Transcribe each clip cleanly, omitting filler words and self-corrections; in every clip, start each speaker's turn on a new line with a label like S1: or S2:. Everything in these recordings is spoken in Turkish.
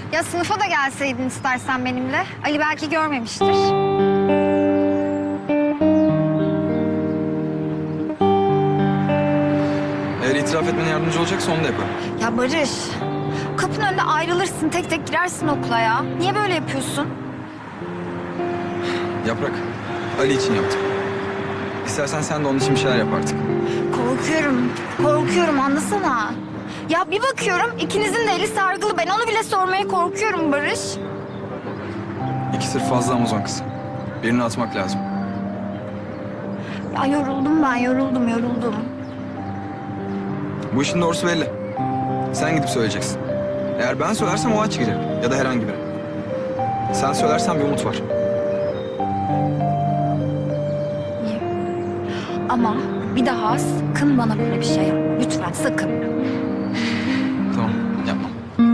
S1: Ya sınıfa da gelseydin istersen benimle. Ali belki görmemiştir.
S2: Eğer itiraf etmene yardımcı olacaksa onu da yaparım.
S1: Ya Barış, kapının önünde ayrılırsın, tek tek girersin okula ya. Niye böyle yapıyorsun?
S2: Yaprak, Ali için yaptım. İstersen sen de onun için bir şeyler yap artık.
S1: Korkuyorum anlasana. Ya bir bakıyorum ikinizin de eli sargılı. Ben onu bile sormaya korkuyorum Barış.
S2: 2 sır fazla Amazon kızı. Birini atmak lazım.
S1: Ya yoruldum ben, yoruldum.
S2: Bu işin doğrusu belli. Sen gidip söyleyeceksin. Eğer ben söylersem o aç çıkacak. Ya da herhangi biri. Sen söylersen bir umut var.
S1: İyi. Ama bir daha sakın bana böyle bir şey yapma. Lütfen sakın.
S2: Tamam, yapmam.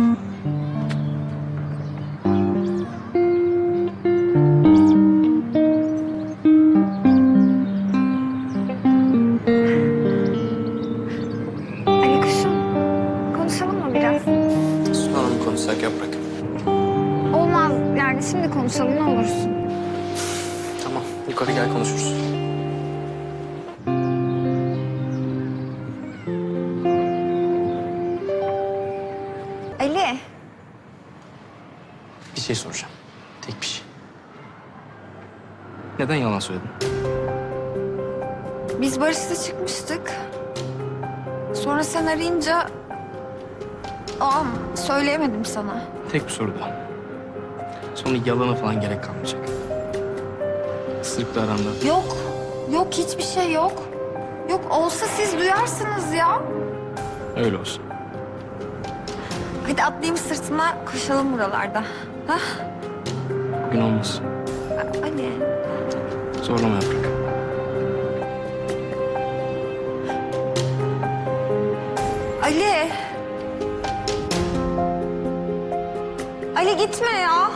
S1: Ali kuşum, konuşalım mı biraz?
S3: Sonra mı konuşsak Yaprak?
S1: Olmaz yani şimdi konuşalım ne olursun.
S3: Tamam, yukarı gel konuşuruz.
S1: Ali,
S3: Bir şey soracağım. Tek bir şey. Neden yalan söyledin?
S1: biz Barış'la çıkmıştık. Sonra sen arayınca... söyleyemedim sana.
S3: Tek bir soru daha. Sonra yalana falan gerek kalmayacak. Sırıkla aranda.
S1: Yok hiçbir şey yok. Yok olsa siz duyarsınız ya.
S3: Öyle olsun.
S1: Hadi atlayayım sırtına koşalım buralarda. Hah,
S3: Bugün olmaz.
S1: Ali.
S3: Zorlama Yaprak.
S1: Ali. Ali gitme ya.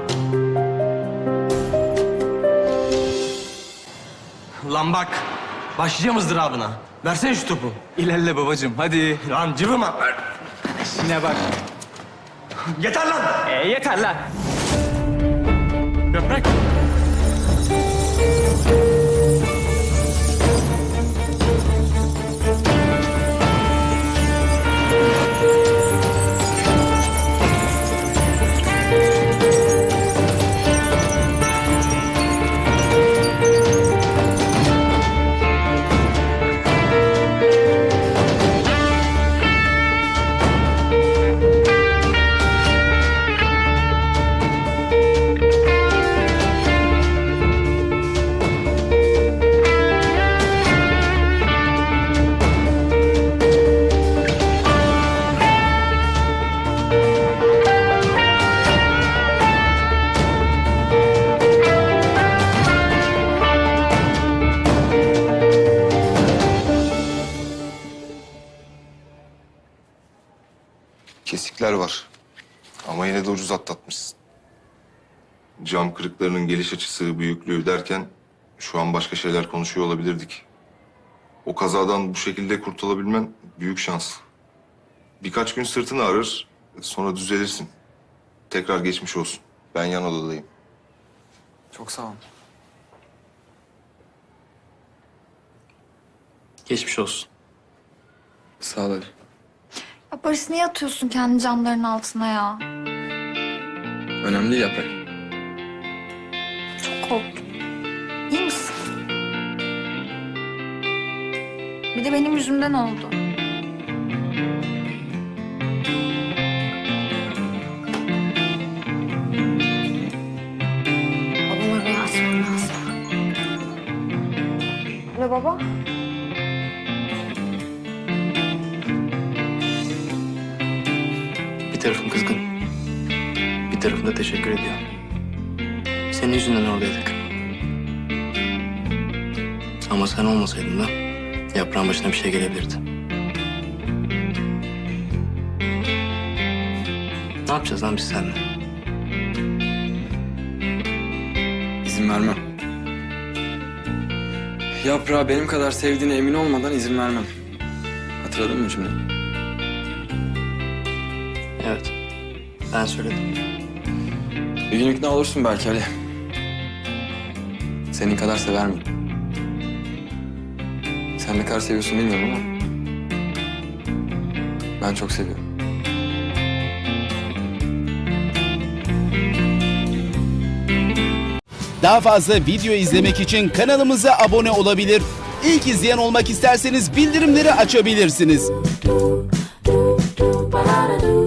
S4: Lan bak, başlayacağım ızdırabına. Versene şu topu.
S2: İlerle babacığım, hadi.
S4: Lan cıvıma.
S2: Yine bak.
S4: Yeter lan!
S3: Yeter lan. Yaprak.
S5: Kesikler var. Ama yine de ucuz atlatmışsın. Cam kırıklarının geliş açısı, büyüklüğü derken şu an başka şeyler konuşuyor olabilirdik. O kazadan bu şekilde kurtulabilmen büyük şans. Birkaç gün sırtını ağrır, sonra düzelirsin. Tekrar geçmiş olsun. Ben yan odadayım.
S2: Çok sağ ol.
S3: Geçmiş olsun.
S2: Sağ ol Ali.
S1: Ya Barış niye atıyorsun kendi camların altına ya?
S2: Önemli değil Yaprak.
S1: Çok korktum. İyi misin? Bir de benim yüzümden oldu. Babama rüya açmam lazım. Ne baba?
S3: Bir tarafım kızgın. Bir tarafım da teşekkür ediyor. Senin yüzünden oradaydık. Ama sen olmasaydın da yaprağın başına bir şey gelebilirdi. Ne yapacağız lan biz seninle?
S2: İzin vermem. Yaprağı benim kadar sevdiğine emin olmadan izin vermem. Hatırladın mı cümleyi?
S3: Evet. Ben söyledim.
S2: Bir gün ikna olursun belki Ali. Senin kadar sever miyim? Sen ne kadar seviyorsun bilmiyorum ama ben çok seviyorum.
S6: Daha fazla video izlemek için kanalımıza abone olabilir. İlk izleyen olmak isterseniz bildirimleri açabilirsiniz.
S7: do ba da do